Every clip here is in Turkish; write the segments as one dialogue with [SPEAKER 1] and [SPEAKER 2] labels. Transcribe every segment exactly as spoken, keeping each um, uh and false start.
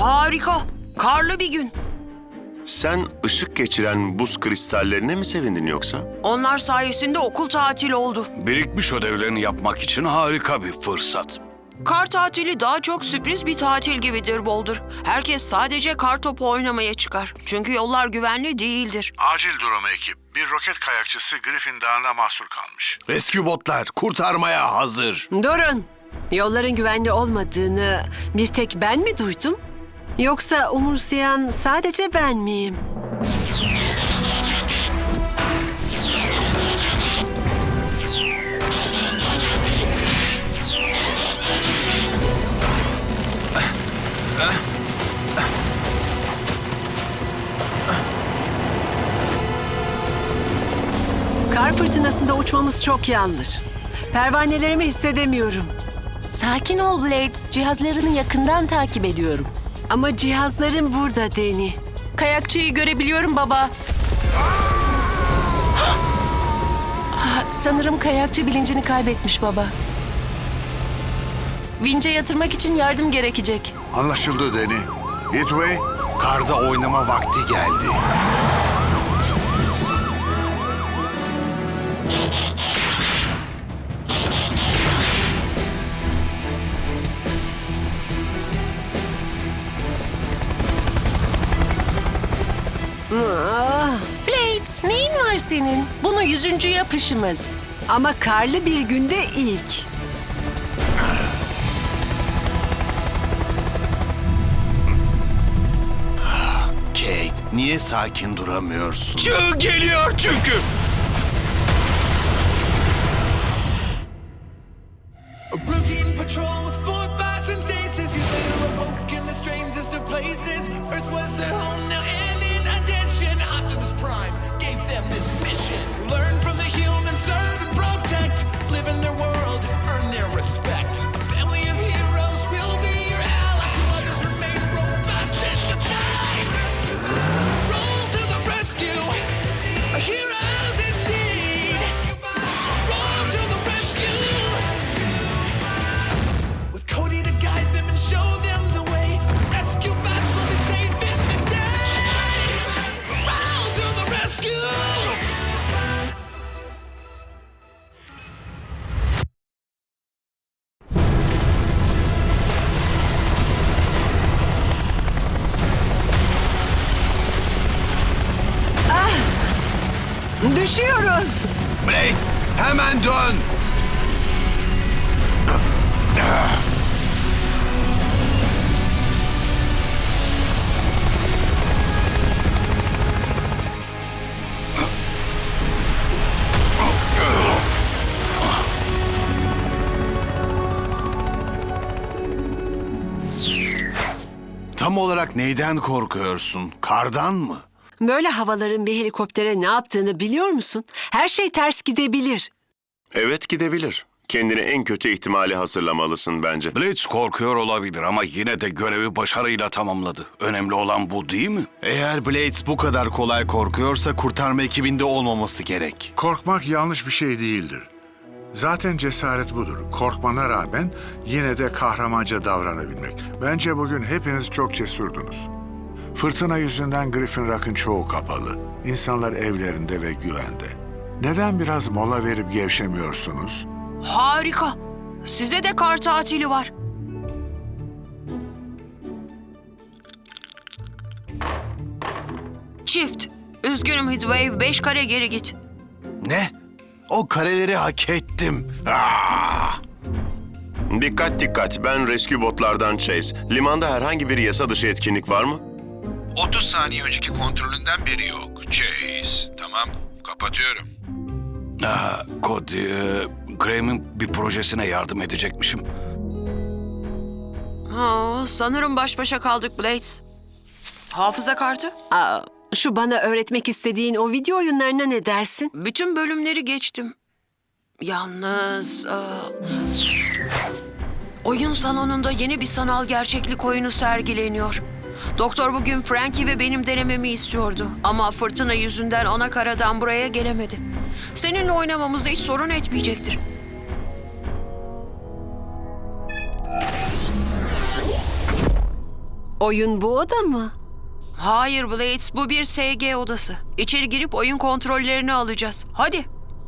[SPEAKER 1] Harika. Karlı bir gün.
[SPEAKER 2] Sen ışık geçiren buz kristallerine mi sevindin yoksa?
[SPEAKER 1] Onlar sayesinde okul tatili oldu.
[SPEAKER 3] Birikmiş ödevlerini yapmak için harika bir fırsat.
[SPEAKER 1] Kar tatili daha çok sürpriz bir tatil gibidir Boulder. Herkes sadece kar topu oynamaya çıkar. Çünkü yollar güvenli değildir.
[SPEAKER 4] Acil durum ekip. Bir roket kayakçısı Griffin Dağı'nda mahsur kalmış.
[SPEAKER 5] Rescue botlar kurtarmaya hazır.
[SPEAKER 6] Durun. Yolların güvenli olmadığını bir tek ben mi duydum? Yoksa umursayan sadece ben miyim? Kar fırtınasında uçmamız çok yanlış. Pervanelerimi hissedemiyorum.
[SPEAKER 7] Sakin ol Blades. Cihazlarını yakından takip ediyorum.
[SPEAKER 6] Ama cihazlarım burada Deni.
[SPEAKER 7] Kayakçıyı görebiliyorum baba. Ah, sanırım kayakçı bilincini kaybetmiş baba. Vinç'e yatırmak için yardım gerekecek.
[SPEAKER 4] Anlaşıldı Deni. Heatway,
[SPEAKER 5] Karda oynama vakti geldi.
[SPEAKER 6] Ah,
[SPEAKER 7] Blades, neyin var senin? Bunu yüzüncü yapışımız.
[SPEAKER 6] ama karlı bir günde ilk.
[SPEAKER 5] Kate, niye sakin duramıyorsun?
[SPEAKER 3] Çığ geliyor çünkü.
[SPEAKER 8] A routine patrol with four bots and stasis. Years later, awoke in the strangest of places. Earth was their home now, and in addition, Optimus Prime gave them this mission: learn from the humans, serve and protect, live in their world, earn their respect. A family of heroes will be your allies. To others remain robots in disguise. Roll to the rescue, heroes indeed. Roll to the rescue. With Cody to guide them and show them the way, rescue bots will be safe in the day. Roll to the rescue!
[SPEAKER 6] Düşüyoruz.
[SPEAKER 5] Blades, hemen dön. Tam olarak neyden korkuyorsun? Kardan mı?
[SPEAKER 6] Böyle havaların bir helikoptere ne yaptığını biliyor musun? Her şey ters gidebilir.
[SPEAKER 2] Evet, gidebilir. Kendini en kötü ihtimale hazırlamalısın bence.
[SPEAKER 3] Blitz korkuyor olabilir ama yine de görevi başarıyla tamamladı. Önemli olan bu değil mi?
[SPEAKER 5] Eğer Blades bu kadar kolay korkuyorsa kurtarma ekibinde olmaması gerek.
[SPEAKER 4] korkmak yanlış bir şey değildir. Zaten cesaret budur. Korkmana rağmen yine de kahramanca davranabilmek. Bence bugün hepiniz çok cesurdunuz. Fırtına yüzünden Griffin Rock'ın çoğu kapalı. İnsanlar evlerinde ve güvende. Neden biraz mola verip gevşemiyorsunuz?
[SPEAKER 1] Harika. Size de kar tatili var. Çift. Üzgünüm Heatwave, beş kare geri git.
[SPEAKER 5] Ne? O kareleri hak ettim. Ah!
[SPEAKER 2] Dikkat dikkat, ben rescue botlardan Chase. Limanda herhangi bir yasa dışı etkinlik var mı?
[SPEAKER 9] otuz saniye önceki kontrolünden beri yok. Chase. Tamam, kapatıyorum.
[SPEAKER 3] Aa, Cody, e, Graham'in bir projesine yardım edecekmişim.
[SPEAKER 1] Ha, sanırım baş başa kaldık Blades. Hafıza kartı?
[SPEAKER 6] Aa, şu bana öğretmek istediğin o video oyunlarına ne dersin?
[SPEAKER 1] Bütün bölümleri geçtim. Yalnız... e, oyun salonunda yeni bir sanal gerçeklik oyunu sergileniyor. Doktor bugün Frankie ve benim denememi istiyordu. Ama fırtına yüzünden ana karadan buraya gelemedi. Seninle oynamamızda hiç sorun etmeyecektir.
[SPEAKER 6] Oyun bu oda mı?
[SPEAKER 1] Hayır Blades, bu bir S G odası. İçeri girip oyun kontrollerini alacağız. Hadi.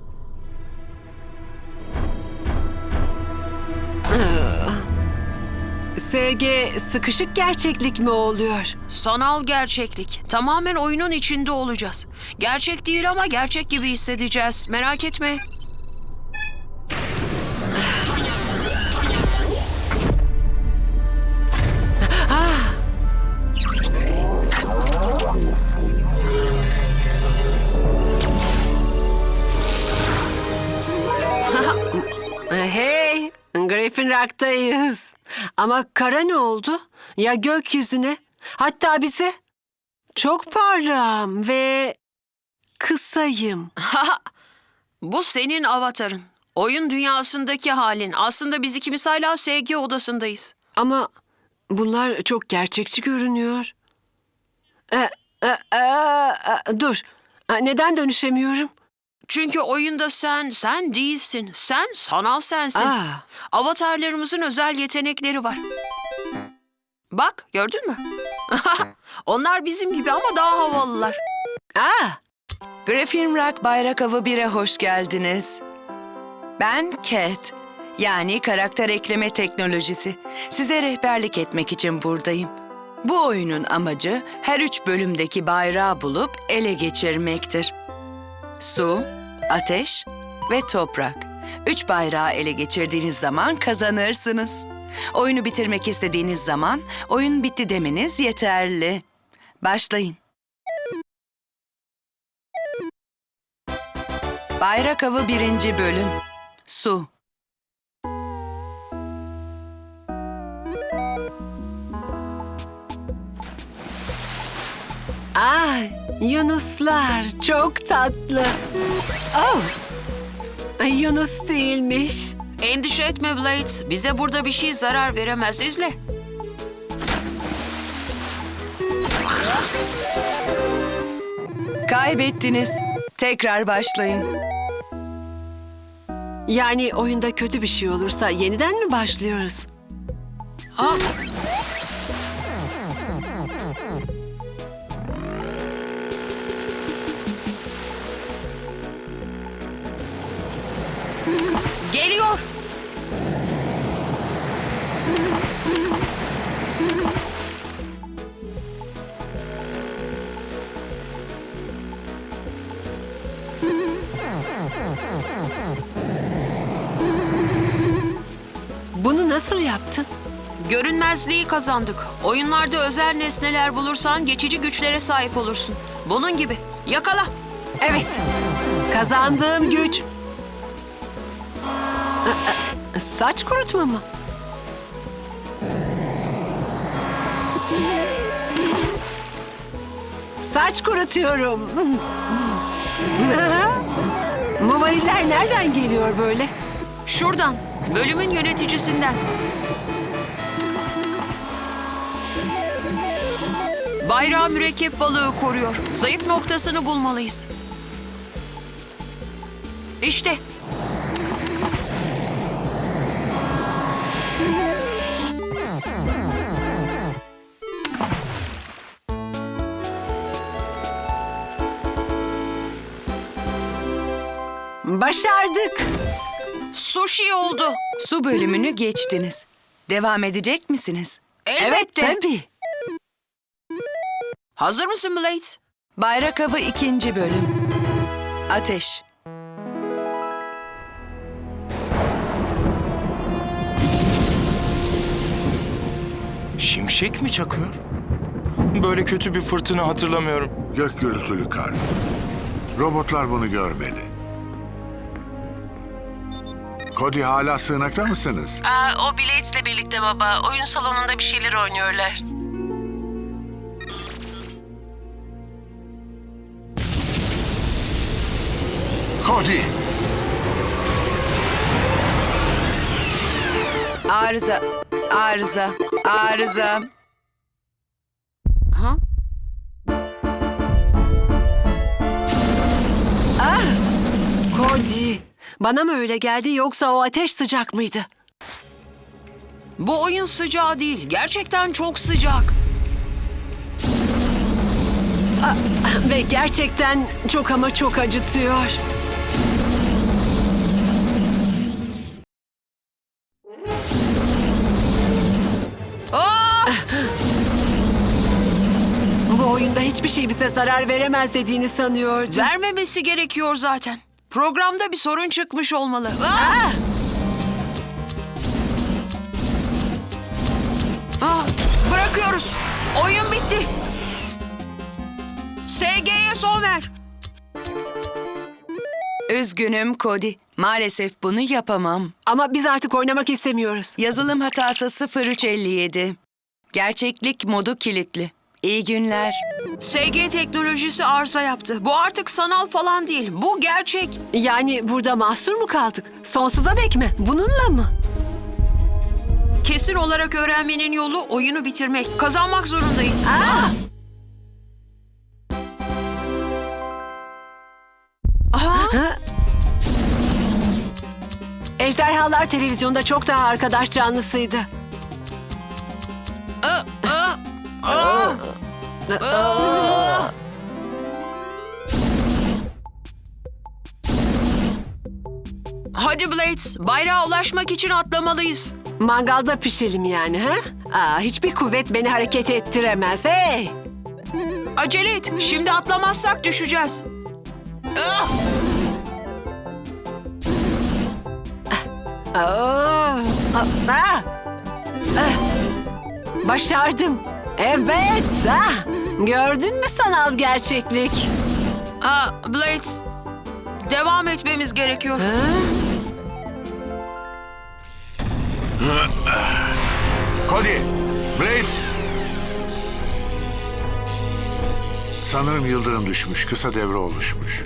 [SPEAKER 6] S G sıkışık gerçeklik mi oluyor?
[SPEAKER 1] Sanal gerçeklik. Tamamen oyunun içinde olacağız. Gerçek değil ama gerçek gibi hissedeceğiz. Merak etme.
[SPEAKER 6] Hey, Griffin Rock'tayız. Ama kara ne oldu? Ya gökyüzüne? Hatta bize? Çok parlağım ve kısayım.
[SPEAKER 1] Bu senin avatarın. Oyun dünyasındaki halin. Aslında biz ikimiz hala S G odasındayız.
[SPEAKER 6] Ama bunlar çok gerçekçi görünüyor. E, e, e, e, dur, E, neden dönüşemiyorum?
[SPEAKER 1] Çünkü oyunda sen, sen değilsin. Sen sanal sensin.
[SPEAKER 6] Aa.
[SPEAKER 1] Avatarlarımızın özel yetenekleri var. Bak, gördün mü? Onlar bizim gibi ama daha havalılar.
[SPEAKER 6] Aa,
[SPEAKER 10] Griffin Rock Bayrak Avı bir'e hoş geldiniz. Ben Cat, yani karakter ekleme teknolojisi. Size rehberlik etmek için buradayım. Bu oyunun amacı her üç bölümdeki bayrağı bulup ele geçirmektir. Su, ateş ve toprak. Üç bayrağı ele geçirdiğiniz zaman kazanırsınız. Oyunu bitirmek istediğiniz zaman oyun bitti demeniz yeterli. Başlayın. Bayrak Avı birinci bölüm. Su.
[SPEAKER 6] ay, Yunuslar çok tatlı. Oh, ay, Yunus değilmiş.
[SPEAKER 1] Endişe etme Blade. Bize burada bir şey zarar veremez. İzle.
[SPEAKER 10] Kaybettiniz. Tekrar başlayın.
[SPEAKER 6] Yani oyunda kötü bir şey olursa yeniden mi başlıyoruz?
[SPEAKER 1] Ha? Geliyor.
[SPEAKER 6] Bunu nasıl yaptın?
[SPEAKER 1] Görünmezliği kazandık. Oyunlarda özel nesneler bulursan geçici güçlere sahip olursun. Bunun gibi. Yakala.
[SPEAKER 6] Evet, kazandığım güç. Aa, saç kurutma mı? Saç kurutuyorum. Bu variller nereden geliyor böyle?
[SPEAKER 1] Şuradan. Bölümün yöneticisinden. Bayrağı mürekkep balığı koruyor. Zayıf noktasını bulmalıyız. İşte.
[SPEAKER 6] Başardık.
[SPEAKER 1] Sushi oldu.
[SPEAKER 10] Su bölümünü geçtiniz. Devam edecek misiniz?
[SPEAKER 1] Elbette.
[SPEAKER 6] Evet, tabii.
[SPEAKER 1] Hazır mısın Blade?
[SPEAKER 10] Bayrak Avı ikinci bölüm. Ateş.
[SPEAKER 11] Şimşek mi çakıyor? Böyle kötü bir fırtına hatırlamıyorum.
[SPEAKER 4] Gök gürültülü kar. Robotlar bunu görmeli. Cody, hala sığınakta mısınız?
[SPEAKER 7] Aa, o Blades'le birlikte baba. Oyun salonunda bir şeyler oynuyorlar.
[SPEAKER 4] Cody!
[SPEAKER 10] Arıza. Arıza. Arıza.
[SPEAKER 6] Ha? Ah! Cody, bana mı öyle geldi yoksa o ateş sıcak mıydı?
[SPEAKER 1] Bu oyun sıcağı değil. Gerçekten çok sıcak.
[SPEAKER 6] Ve gerçekten çok ama çok acıtıyor.
[SPEAKER 1] Aa!
[SPEAKER 6] Bu oyunda hiçbir şey bize zarar veremez dediğini sanıyordum.
[SPEAKER 1] Vermemesi gerekiyor zaten. Programda bir sorun çıkmış olmalı. Aa! Aa, bırakıyoruz. Oyun bitti. S G'ye son ver.
[SPEAKER 10] Üzgünüm Cody. Maalesef bunu yapamam.
[SPEAKER 6] Ama biz artık oynamak istemiyoruz.
[SPEAKER 10] Yazılım hatası sıfır üç elli yedi. Gerçeklik modu kilitli. İyi günler.
[SPEAKER 1] S G teknolojisi arıza yaptı. Bu artık sanal falan değil. Bu gerçek.
[SPEAKER 6] Yani burada mahsur mu kaldık? Sonsuza dek mi? Bununla mı?
[SPEAKER 1] Kesin olarak öğrenmenin yolu oyunu bitirmek. Kazanmak zorundayız.
[SPEAKER 6] Aa!
[SPEAKER 1] Aha!
[SPEAKER 6] Ha? Ejderhalar televizyonda çok daha arkadaş canlısıydı.
[SPEAKER 1] Aa! Aa! Aa! Aa! Hadi Blades, bayrağa ulaşmak için atlamalıyız.
[SPEAKER 6] Mangalda pişelim yani ha? Aa, hiçbir kuvvet beni hareket ettiremez. Hey!
[SPEAKER 1] Acele et, şimdi atlamazsak düşeceğiz. Ah!
[SPEAKER 6] Aa, aa, ah. Başardım. Evet. Ah. Gördün mü sanal gerçeklik?
[SPEAKER 1] Aa, Blades, devam etmemiz gerekiyor.
[SPEAKER 6] Ha?
[SPEAKER 4] Cody, Blades. Sanırım yıldırım düşmüş, kısa devre oluşmuş.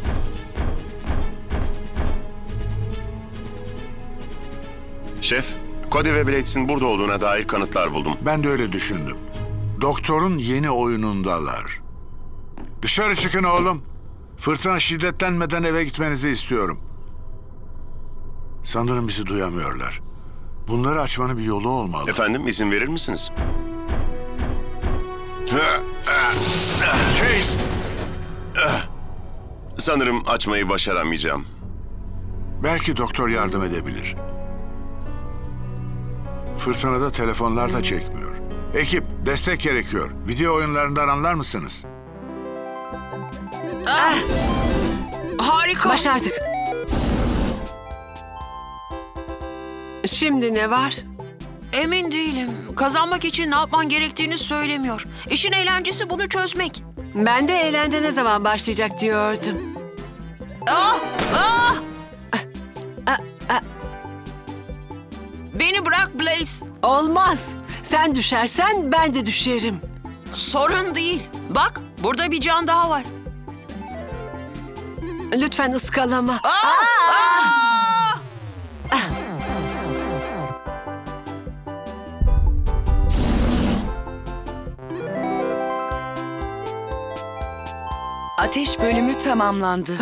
[SPEAKER 2] Şef, Cody ve Blades'in burada olduğuna dair kanıtlar buldum.
[SPEAKER 4] Ben de öyle düşündüm. Doktorun yeni oyunundalar. Dışarı çıkın oğlum. Fırtına şiddetlenmeden eve gitmenizi istiyorum. Sanırım bizi duyamıyorlar. Bunları açmanın bir yolu olmalı.
[SPEAKER 2] Efendim, izin verir misiniz?
[SPEAKER 4] Chase!
[SPEAKER 2] Sanırım açmayı başaramayacağım.
[SPEAKER 4] Belki doktor yardım edebilir. Fırtınada telefonlar da çekmiyor. Ekip, destek gerekiyor. Video oyunlarından anlar mısınız?
[SPEAKER 1] Ah! Harika.
[SPEAKER 6] Başardık. Şimdi ne var?
[SPEAKER 1] Emin değilim. Kazanmak için ne yapman gerektiğini söylemiyor. İşin eğlencesi bunu çözmek.
[SPEAKER 6] Ben de eğlence ne zaman başlayacak diyordum.
[SPEAKER 1] Ah! Ah! Beni bırak Blaze.
[SPEAKER 6] Olmaz. Sen düşersen ben de düşerim.
[SPEAKER 1] Sorun değil. Bak, burada bir can daha var.
[SPEAKER 6] Lütfen ıskalama.
[SPEAKER 1] Ah! Ah!
[SPEAKER 10] Ateş bölümü tamamlandı.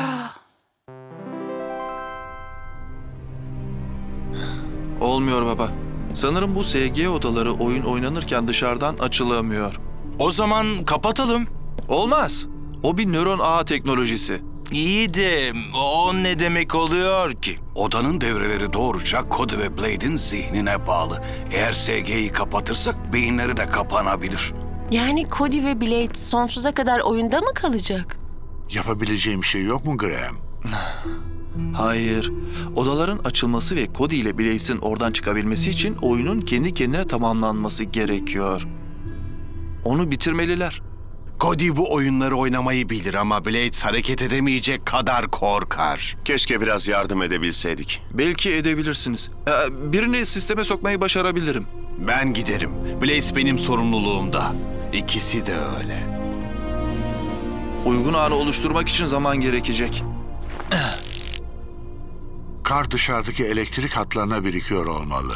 [SPEAKER 12] Olmuyor baba. Sanırım bu S G odaları oyun oynanırken dışarıdan açılamıyor.
[SPEAKER 11] O zaman kapatalım.
[SPEAKER 12] Olmaz. O bir nöron ağ teknolojisi.
[SPEAKER 3] İyi de o ne demek oluyor ki? Odanın devreleri doğruca Cody ve Blade'in zihnine bağlı. Eğer S G'yi kapatırsak beyinleri de kapanabilir.
[SPEAKER 7] Yani Cody ve Blade sonsuza kadar oyunda mı kalacak?
[SPEAKER 4] Yapabileceğim bir şey yok mu Graham?
[SPEAKER 12] Hayır. Odaların açılması ve Cody ile Blaze'in oradan çıkabilmesi için oyunun kendi kendine tamamlanması gerekiyor. Onu bitirmeliler.
[SPEAKER 5] Cody bu oyunları oynamayı bilir ama Blades hareket edemeyecek kadar korkar.
[SPEAKER 2] Keşke biraz yardım edebilseydik.
[SPEAKER 12] Belki edebilirsiniz. Ee, birini sisteme sokmayı başarabilirim.
[SPEAKER 5] Ben giderim. Blaze benim sorumluluğumda. İkisi de öyle.
[SPEAKER 12] Uygun ağını oluşturmak için zaman gerekecek.
[SPEAKER 4] Kar dışarıdaki elektrik hatlarına birikiyor olmalı.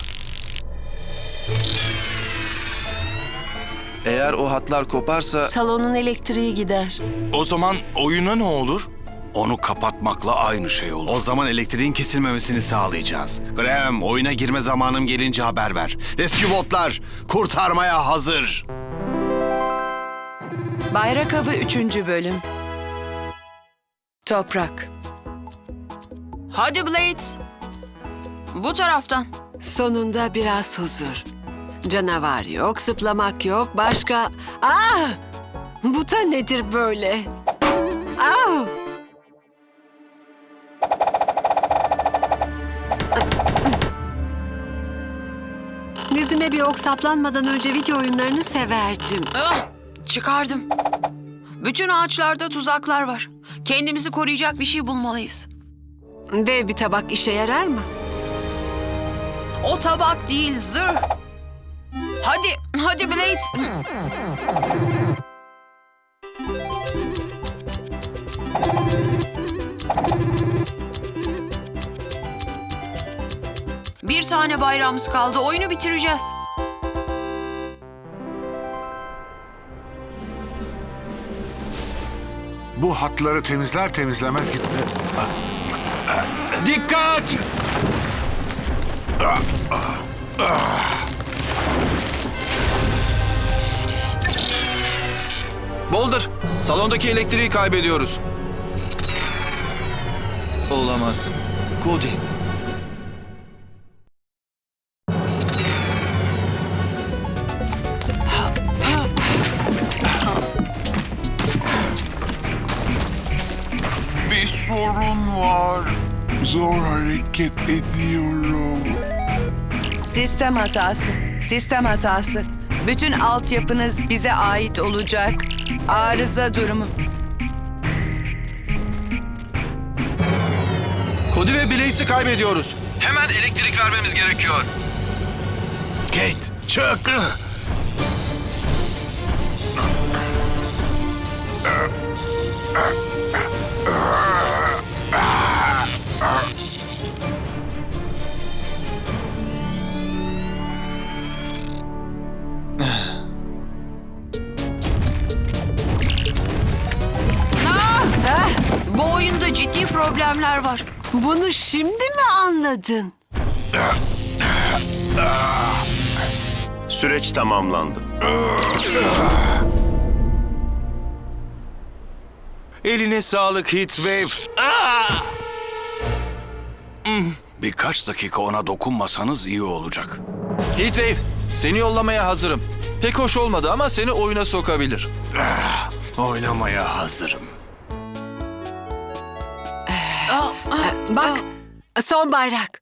[SPEAKER 12] Eğer o hatlar koparsa...
[SPEAKER 7] Salonun elektriği gider.
[SPEAKER 11] O zaman oyuna ne olur?
[SPEAKER 3] Onu kapatmakla aynı şey olur.
[SPEAKER 5] O zaman elektriğin kesilmemesini sağlayacağız. Graham, oyuna girme zamanım gelince haber ver. Rescue botlar kurtarmaya hazır.
[SPEAKER 10] Bayrak Avı üçüncü bölüm. Toprak.
[SPEAKER 1] Hadi Blade. Bu taraftan.
[SPEAKER 6] Sonunda biraz huzur. Canavar yok, zıplamak yok, başka... Ah! Bu da nedir böyle? Ah! Dizime bir ok saplanmadan önce video oyunlarını severdim.
[SPEAKER 1] Ah, çıkardım. Bütün ağaçlarda tuzaklar var. Kendimizi koruyacak bir şey bulmalıyız.
[SPEAKER 6] Dev bir tabak işe yarar mı?
[SPEAKER 1] O tabak değil, zırh. Hadi, hadi Blade. Bir tane bayrağımız kaldı. Oyunu bitireceğiz.
[SPEAKER 4] Bu hatları temizler temizlemez gitti.
[SPEAKER 11] Dikkat!
[SPEAKER 12] Boulder, salondaki elektriği kaybediyoruz. Olamaz. Cody.
[SPEAKER 4] Bir sorun var. Zor hareket ediyorum.
[SPEAKER 10] Sistem hatası. Sistem hatası. Bütün altyapınız bize ait olacak. Arıza durumu.
[SPEAKER 12] Cody ve Blaze'i kaybediyoruz. Hemen elektrik vermemiz gerekiyor.
[SPEAKER 5] Kate, çık!
[SPEAKER 1] Ah! Bu oyunda ciddi problemler var.
[SPEAKER 6] Bunu şimdi mi anladın?
[SPEAKER 2] Süreç tamamlandı.
[SPEAKER 11] Eline sağlık Heatwave.
[SPEAKER 3] Birkaç dakika ona dokunmasanız iyi olacak.
[SPEAKER 12] Heatwave, seni yollamaya hazırım. Pek hoş olmadı ama seni oyuna sokabilir.
[SPEAKER 5] Oynamaya hazırım.
[SPEAKER 6] Bak, son bayrak.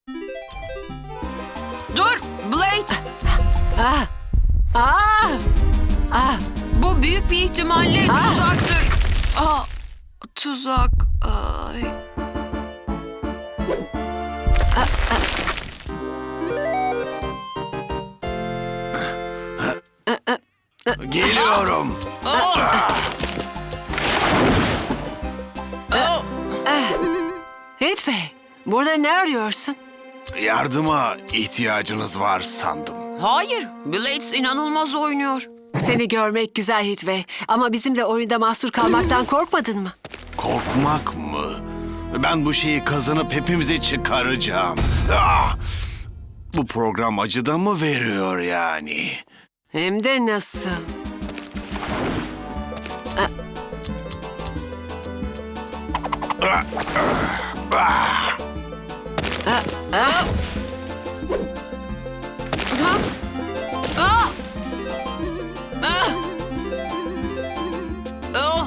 [SPEAKER 1] Dur, Blade.
[SPEAKER 6] Ah! Ah! Ah!
[SPEAKER 1] Bu büyük bir ihtimalle
[SPEAKER 6] Ah!
[SPEAKER 1] tuzaktır. Ah, tuzak. Ay.
[SPEAKER 5] Geliyorum.
[SPEAKER 6] Heatwave, burada ne arıyorsun?
[SPEAKER 5] Yardıma ihtiyacınız var sandım.
[SPEAKER 1] Hayır, Blades inanılmaz oynuyor.
[SPEAKER 6] Seni görmek güzel Heatwave. Ama bizimle oyunda mahsur kalmaktan korkmadın mı?
[SPEAKER 5] Korkmak mı? Ben bu şeyi kazanıp hepimizi çıkaracağım. Ah! Bu program acıda mı veriyor yani?
[SPEAKER 6] Hem de nasıl?
[SPEAKER 1] Ha? Ah! Ah! Oh!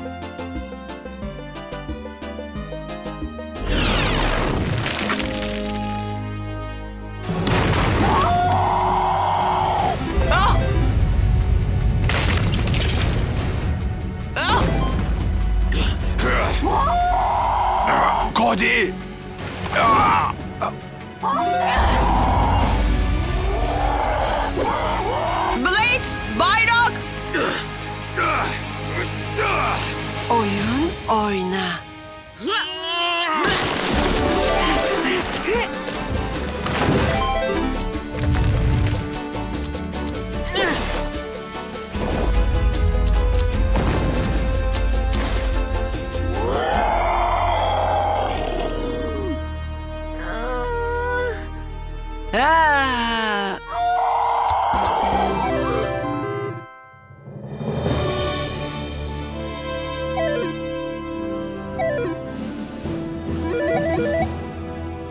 [SPEAKER 1] Ah! Ah!
[SPEAKER 5] Cody!
[SPEAKER 1] Blade, bayrak!
[SPEAKER 6] Oyun oyna. Ah!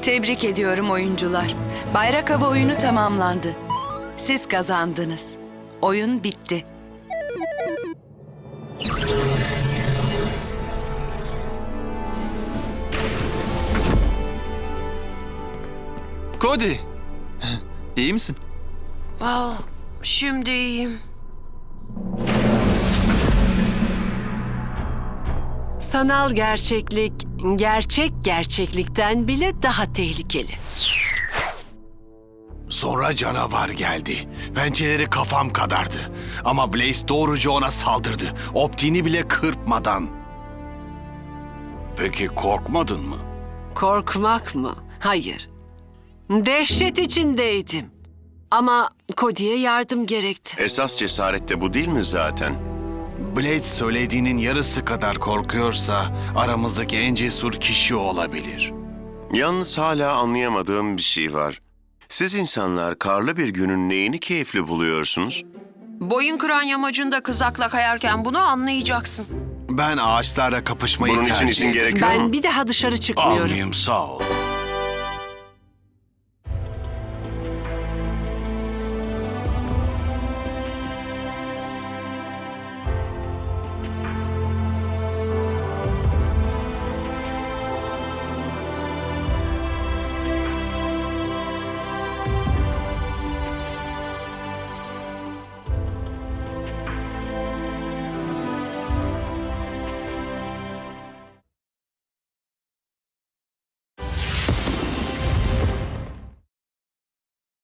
[SPEAKER 10] Tebrik ediyorum oyuncular. Bayrak hava oyunu tamamlandı. Siz kazandınız. Oyun bitti.
[SPEAKER 12] Cody, iyi misin?
[SPEAKER 1] Wow, şimdi iyiyim.
[SPEAKER 6] Sanal gerçeklik, gerçek gerçeklikten bile daha tehlikeli.
[SPEAKER 5] Sonra canavar geldi. Pençeleri kafam kadardı. Ama Blaze doğruca ona saldırdı. Optiğini bile kırpmadan.
[SPEAKER 3] Peki korkmadın mı?
[SPEAKER 6] Korkmak mı? Hayır. Dehşet içindeydim. Ama Cody'ye yardım gerekti.
[SPEAKER 2] Esas cesaret de bu değil mi zaten?
[SPEAKER 5] Blade söylediğinin yarısı kadar korkuyorsa aramızdaki en cesur kişi olabilir.
[SPEAKER 2] Yalnız hala anlayamadığım bir şey var. Siz insanlar karlı bir günün neyini keyifli buluyorsunuz?
[SPEAKER 1] Boyun kıran yamacında kızakla kayarken bunu anlayacaksın.
[SPEAKER 5] Ben ağaçlarla kapışmayı
[SPEAKER 2] Bunun için
[SPEAKER 5] tercih
[SPEAKER 2] izin
[SPEAKER 5] ederim.
[SPEAKER 2] gerekiyor mu?
[SPEAKER 6] Ben bir daha dışarı çıkmıyorum.
[SPEAKER 3] Almayayım, sağ ol.